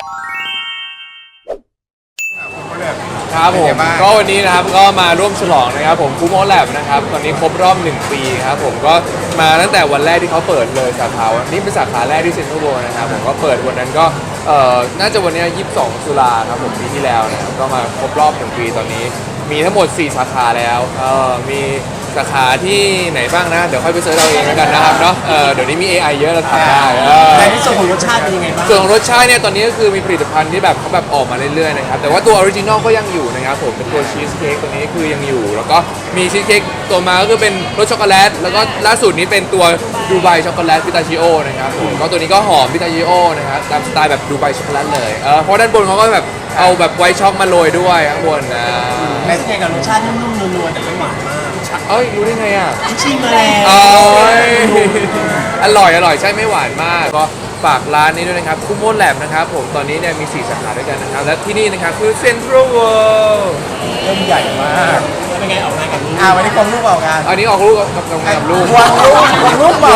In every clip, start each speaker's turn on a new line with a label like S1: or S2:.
S1: ครับผมก็วันนี้นะครับก็มาร่วมฉลองนะครับผมคูโมแลบนะครับตอนนี้ครบรอบ1 ปีครับผมก็มาตั้งแต่วันแรกที่เขาเปิดเลยสาขาวันนี้เป็นสาขาแรกที่เซ็นทรัลเวิลด์นะครับผมก็เปิดวันนั้นก็น่าจะวันนี้22 ตุลาครับผมปีที่แล้วนะครับก็มาครบรอบ1 ปีตอนนี้มีทั้งหมด4 สาขาแล้วมีสาขาที่ไหนบ้างนะเดี๋ยวค่อยไปเสิร์ชเอาเองแล้วกันนะครับเนาะเดี๋ยวนี้มี AI เยอะเราทำได้
S2: แต่ในส่วนของรสชาติเป็นยังไงบ้าง
S1: ส่วนของรสชาติเนี่ยตอนนี้ก็คือมีผลิตภัณฑ์ที่แบบเขาแบบออกมาเรื่อยๆนะครับแต่ว่าตัวออริจินอลก็ยังอยู่นะครับผมเป็นตัวชีสเค้กตัวนี้คือยังอยู่แล้วก็มีชีสเค้กตัวมาก็คือเป็นรสช็อกโกแลตแล้วก็ล่าสุดนี้เป็นตัวดูไบช็อกโกแลตพิตาชิโอนะครับผมก็ตัวนี้ก็หอมพิตาชิโอนะครับตามสไตล์แบบดูไบช็อกโกแลตเลยเพราะด้านบนเขาก็แบบเอาแบบไวท์ช็อกมาโรยด้วยข้างบนนะ
S2: เป็นยังไงกับรสชาตินุ่มๆนัวๆแต่ไม่หวานมาก
S1: เอ้ยรู้ได้ไงอ่ะ
S2: ชิมมาแล้ว
S1: อร่อยใช่ไม่หวานมากก็ฝากร้านนี้ด้วยนะครับคูโมแลบนะครับผมตอนนี้เนี่ยมี4 สาขาด้วยกันนะครับและที่นี่นะครับคือเซ็นทรัลเวิลด์
S2: เริ่มใหญ่มากเป็นไงออกงานกับลูกวันนี้ควงลูกออกงาน
S1: อันนี้ออกลูกกับงานกับลูก
S2: ควงลูก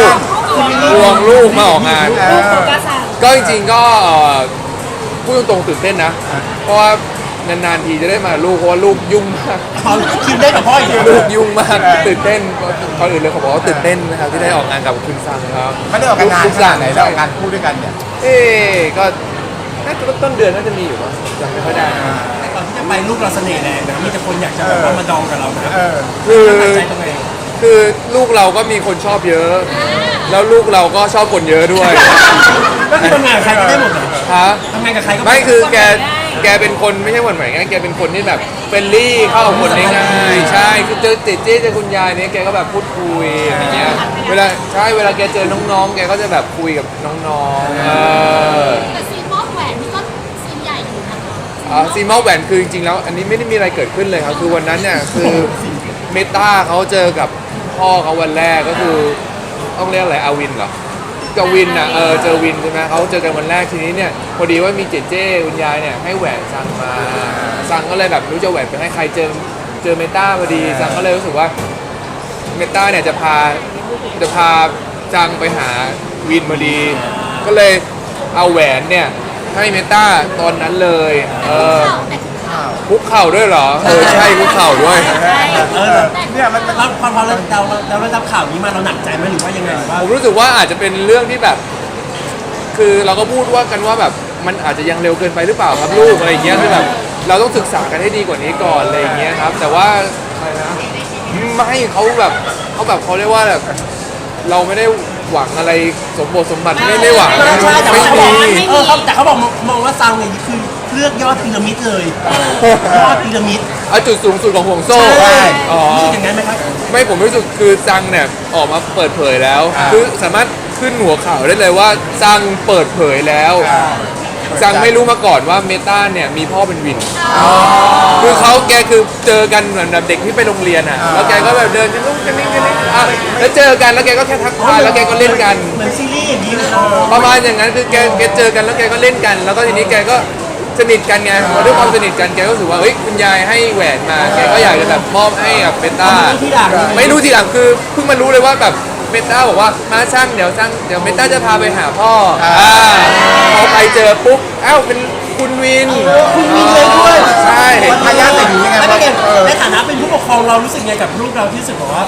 S1: มาออกงานก็จริงๆก็พูดตรงๆตื่นเต้นนะเพราะว่านานๆทีจะได้มาลูกเพราะว่าลูกยุ่งมาก
S2: คิดได้กับพ่ออีก
S1: ลูกยุ่งมากตื่นเต้นก่อนอื่นเลยเขาบอกว่าตื่นเต้นนะครับที่ได้ออกงานกับคุณซังครับ
S2: ไม่ได้ออกงานขนาดไหนได้ออกงานคู่ด้วยกันเนี่ย
S1: ก็น่าจะต้นเดือนน่าจะมีอยู่มั้งยังไม่ค่อยได้
S2: แต่ก่อนที่จะไปลูกเราเสน่ห์แรงนะมีแต่คนอยากจะแบบว่ามาดองกับเรานะ
S1: คือลูกเราก็มีคนชอบเยอะแล้วลูกเราก็ชอบคนเยอะด้วย
S2: ก็คือทำงานกับใครก็ได้หมดเลยทำงานกับใครก็
S1: ไม่คือแกเป็นคนไม่ใช่หวานแหวงแกเป็นคนที่แบบเฟรนลี่เข้ากับคนได้ง่ายใช่คือเจอเจ๊เจอคุณยายเนี่ยแกก็แบบพูดคุยอย่างเงี้ยเวลาแกเจอน้องๆแกก็จะแบบคุยกับน้องๆ
S3: แต่ซีมอลแหวนนี่ก็ซีนใหญ่อยู่นะคะ
S1: ซีมอลแหวนคือจริงๆแล้วอันนี้ไม่ได้มีอะไรเกิดขึ้นเลยครับคือวันนั้นเนี่ยคือเมตาเขาเจอกับพ่อเขาวันแรกก็คือต้องเรียกอะไรอาวินเหรอกับวินอ่ะเจอวินใช่ไหมเขาเจอกันวันแรกทีนี้เนี่ยพอดีว่ามีเจ๊คุณยายเนี่ยให้แหวนซังมาซังก็เลยแบบรู้จะแหวนไปให้ใครเจอเมตาพอดีซังก็เลยรู้สึกว่าเมตาเนี่ยจะพาซังไปหาวินพอดีก็เลยเอาแหวนเนี่ยให้เมตาตอนนั้นเลยคุกเข่าด้วยเหรอใช่คุกเข่าด้วย
S2: เนี่ยมันพอเราได้รับข่าวนี้มาเราหนักใจไหมหรือว่ายังไง
S1: ผมรู้สึกว่าอาจจะเป็นเรื่องที่แบบคือเราก็พูดว่ากันว่าแบบมันอาจจะยังเร็วเกินไปหรือเปล่าครับลูกอะไรอย่างเงี้ยคือแบบเราต้องศึกษากันให้ดีกว่านี้ก่อนอะไรอย่างเงี้ยครับแต่ว่าไม่เขาเรียกว่าแบบเราไม่ได้หวังอะไรสมบัติไม่หวังไม่มี
S2: แต่เขาบอกมองว่าซังเนี่ยคือเลือกยอดพีระมิดเลยยอดพีระมิด
S1: จุดสูงสุดของห่วงโซ่
S2: รู้สึกอย่างนั้นไหมครับ
S1: ไม่ผมรู้สึกคือซังเนี่ยออกมาเปิดเผยแล้วคือสามารถขึ้นหัวข่าวได้เลยว่าซังเปิดเผยแล้วซังไม่รู้มาก่อนว่าเมตาเนี่ยมีพ่อเป็นวินคือแกคือเจอกันเหมือนแบบเด็กที่ไปโรงเรียนอ่ะแล้วแกก็แบบเดินกันนี่แล้วเจอกันแล้วแกก็แค่ทักทายแล้วแกก็เล่นกัน
S2: เหมือนซีรีส์อย่างนี้
S1: ประมาณอย่างนั้นคือแกเจอกันแล้วแกก็เล่นกันแล้วก็ทีนี้แกก็สนิทกันไงพอด้วยความสนิทกันแกก็รู้สึกว่าเฮ้ยคุณยายให้แหวนมาแกก็อยากจะแบบมอบให้กับเมตาไม่รู้ทีหลังคือเพิ่งมารู้เลยว่าแบบเมตาบอกว่ามาช่างเดี๋ยวเมตาจะพาไปหาพ่อพอไปเจอปุ๊บเป็นคุณวิน
S2: เลยด้วย
S1: ใช่
S2: พยายามแต่อยู่ยังไงในฐานะเป็นผู้ปกครองเรารู้สึกไงกับลูกเราที่รู้สึกว่า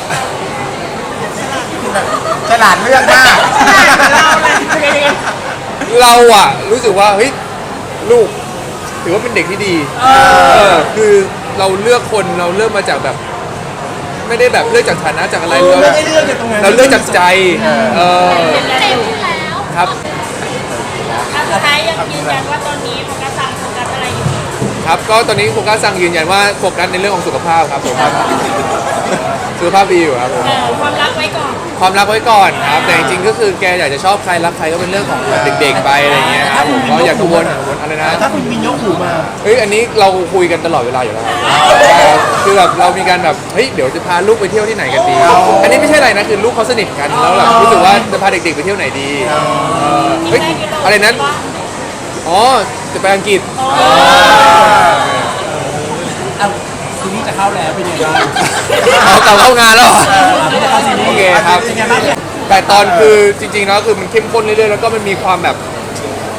S2: ฉลาดเลือกมาก
S1: เราอะรู้สึกว่าเฮ้ยลูกถือว่าเป็นเด็กที่ดีคือเราเลือกคนเราเลือกมาจากแบบไม่ได้แบบเลือกจากฐานะจากอะไรเราเลือกจากใจครับ
S3: สุดท้ายยังยืนยันว่าตอนนี้โฟกัสอะไรอยู่
S1: ครับก็ตอนนี้โฟกัสสั่งยืนยันว่าโฟกัสในเรื่องของสุขภาพครับผมสุขภาพดีอยู่ครับ
S3: ความรักไว้ก่อน
S1: ครับแต่จริงๆก็คือแกอยากจะชอบใครรักใครก็เป็นเรื่องของเด็กๆไปอะไรเงี้ยครับผมก็อยากกังวลอะไรนะ
S2: ถ้าคุณวินยกหูมา
S1: อันนี้เราคุยกันตลอดเวลาอยู่แล้วคือแบบเรามีการแบบเดี๋ยวจะพาลูกไปเที่ยวที่ไหนกันดีอันนี้ไม่ใช่อะไรนะคือลูกเขาสนิทกันแล้วแบบรู้สึกว่าจะพาเด็กๆไปเที่ยวไหนดีอะไรนั้นจะไปอังกฤษ
S2: ทีนี้จะเข้าแล้วเป็นยังไง
S1: เข้างานแล้วโอเคครับแต่ตอนคือจริงๆแล้วคือมันเข้มข้นเรื่อยๆแล้วก็มันมีความแบบ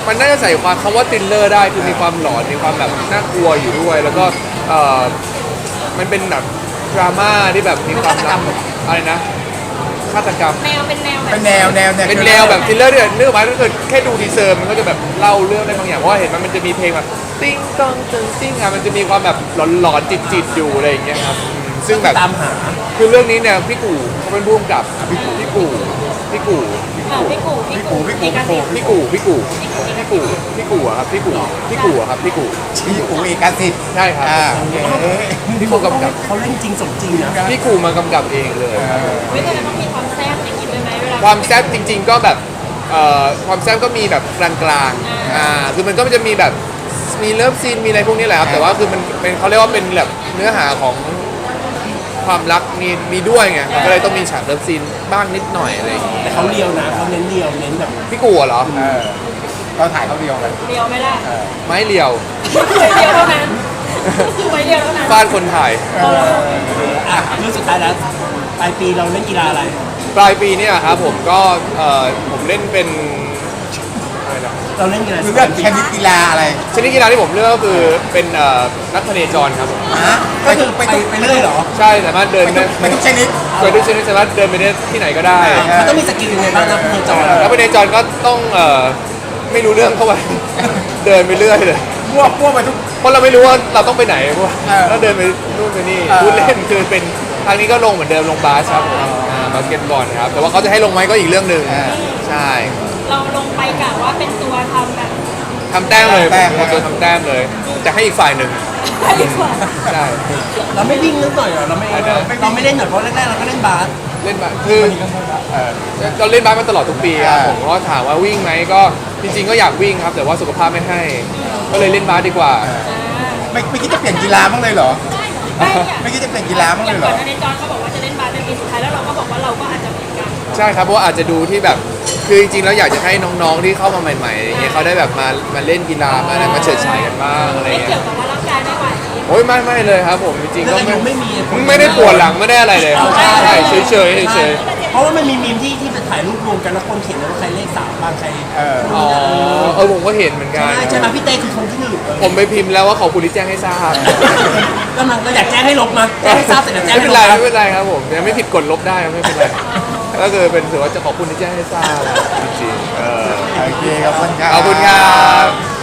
S1: มันน่าจะใส่ความคำว่าทริลเลอร์ได้คือมีความหลอนมีความแบบน่ากลัวอยู่ด้วย แล้วก็มันเป็นแบบดราม่าที่แบบมีความรักอะไรนะฆาตกรรม
S3: แนวเป็นแนวแบบ
S4: เป็นแนว
S1: เป็นแนวแบบทริลเลอร์เนี่ยนึกออกไหมถ้าเกิดแค่ดูทีเซอร์มันก็จะแบบเล่าเรื่องได้บางอย่างเพราะว่าเห็นมันจะมีเพลงแบบติ้งต้องตึงติ้งอ่ะมันจะมีความแบบหลอนๆจิตๆอยู่อะไรอย่างเงี้ยครับซึ่งแบบ
S2: ตามหา
S1: คือเรื่องนี้เนี่ยพี่กู่เขาเป็นผู้กำกับพี่กู่พี่กู่
S3: พี่กูพี่กูพี่กาซิ
S1: พี่กู่พี่กู่พี่กู่พี่กู่อะครับพี่กู่พี่กู่อะครับพี่กู่
S4: พี่อูเอกสิทธิ์
S1: ใช่ครับ
S4: โอเค
S1: พี่กู่กำกับ
S2: เขาเล่นจริงสมจริงนะ
S1: พี่กู่มากำกับเองเลย
S3: ไม่เคยต้องมีความแซ่บอย่างนี้ด้วยไหมเวลา
S1: ความแซ่บจริง ๆ ก็แบบความแซ่บก็มีแบบกลางๆคือมันก็จะมีแบบมีเลิฟซีนมีอะไรพวกนี้แหละครับแต่ว่าคือมันเป็นเขาเรียกว่าเป็นแบบเนื้อหาของความรักมีด้วยไงก็เลยต้องมีฉากเลิฟซีนบ้างนิดหน่อยอะไรอย่างเงี้ย
S2: แต่เขาเลียวนะเขาเน้นเลียวเน้นแบบ
S1: พี่กู่เหรอ
S4: เราถ่ายเขาเดียวกัน
S3: เดียวไหมล่ะ
S1: ไม้เรียว
S3: เดียวเท่านั้นไว้เดียวเท่านั้น
S1: ฟาดคนถ่าย
S2: อ่ะเรื่องสุดท้ายแล้วปลายปีเราเล่นกีฬาอะไร
S1: ปลายปีเนี่ยครับผมก็ผมเล่นเป็นอะไรนะ
S2: เราเล่นกีฬา
S4: เรื่องชนิดกีฬาอะไร
S1: ชนิดกีฬาที่ผมเลือกก็คือเป็นนักพเนจรครับผม
S4: ฮะ
S2: ก็คือไปเรื่อยเหรอ
S1: ใช่สามารถเดินได้
S4: ไปทุกชนิด
S1: เคยดูชนิดสามารถเดินไปได้ที่ไหนก็ได้
S2: มันต้องมีสกิลยังไงบ้างนะพจร
S1: แล้วพเนจรก็ต้องไม่รู้เรื่องเข้าไป เดินไปเรื่อยเลย
S4: มั่วไปทุก
S1: เพราะเราไม่รู้ว่าเราต้องไปไหนเพราะว่า
S4: เออ
S1: เราเดินไปนู่นไปนี่
S4: เออ
S1: พูดเล่นคือเป็นทางนี้ก็ลงเหมือนเดิมลงบาสครับผมบาสเกตบอลครับแต่ว่าเขาจะให้ลงไหมก็อีกเรื่องหนึ่งใช่
S3: เราลงไปกะว่าเป็นตัวทำแบบ
S1: ทำแต้มเลยผมตัวทำแต้มเลยจะให้อีกฝ่ายหนึ่ง
S3: ให้ดีกว่า
S1: ใช่
S2: เราไม่วิ่งนิดหน่อยเหรอเราไม่เล่นหน่อยเพราะแรกๆเราก็เล่นบาส
S1: เล่นบาสคือเราเล่นบาสมาตลอดทุกปีครับผมก็ถามว่าวิ่งไหมก็จริงๆก็อยากวิ่งครับ แต่ว่าสุขภาพไม่ให้ ก็เลยเล่นบาสดีกว่า
S4: ไม่คิดจะเปลี่ยนกีฬาบ้างเลยเหรอ
S3: ไม่เนี่ย
S4: ไม่คิดจะเปลี่ยนกีฬาบ้าง
S3: อ
S4: เล
S3: ย่าง
S4: ยเหร
S3: ก่อ
S4: อน
S3: อันในจอนเขาบอกว่าจะเล่นบาสเป็นปีสุดท้ายแล้วเราก็บอกว่าเราก็อาจจะเหมือนกัน
S1: ใช่ครับเพราะว่าอาจจะดูที่แบบคือจริงๆแล้วอยากจะให้น้องๆที่เข้ามาใหม่ๆอย่างเงี้ยเขาได้แบบมาเล่นกีฬามาอะไรมาเฉิดฉายกันบ้างอะไร
S3: ไม่
S1: เงี้
S3: เกี่ย
S1: ยว
S3: กับว่าร่างกายไม่ไหว
S1: โอ้ยไม่เลยครับผมจริงๆ
S2: เรื่
S1: ก็
S2: องอายุไม่มี
S1: ไม่ได้ปวดหลังไม่ได้อะไรเลยครับใช่เฉยๆเฉย
S2: เพราะว่ามันมีมีมที่ไปถ่ายรูปรวมกันแล้วคนเขียนว่าใครเลขสามบ้างใคร
S1: ๆอ๋อผมก็เห็นเหมือนกัน
S2: ใช่ไหมพี่เต้คือคนที่หนึ่ง
S1: ผมไปพิมพ์แล้วว่าขอบคุณที่แจ้งให้ทราบ
S2: ก็มันเราอยากแจ้งให้ลบมาแจ้งให้ทราบเสร็จแล้วแจ้ง
S1: ไม่
S2: ให้
S1: เป็น
S2: ล
S1: ไร
S2: บ
S1: ไม่เป็นไรครับผมยังไม่ผิดกฎลบได้ไม่เป็นไรก็คือเป็นถือว่าจะขอบคุณที่แจ้งให้ทราบจริงๆ
S4: โอเคขอบคุณครับ
S1: ขอบคุณครับ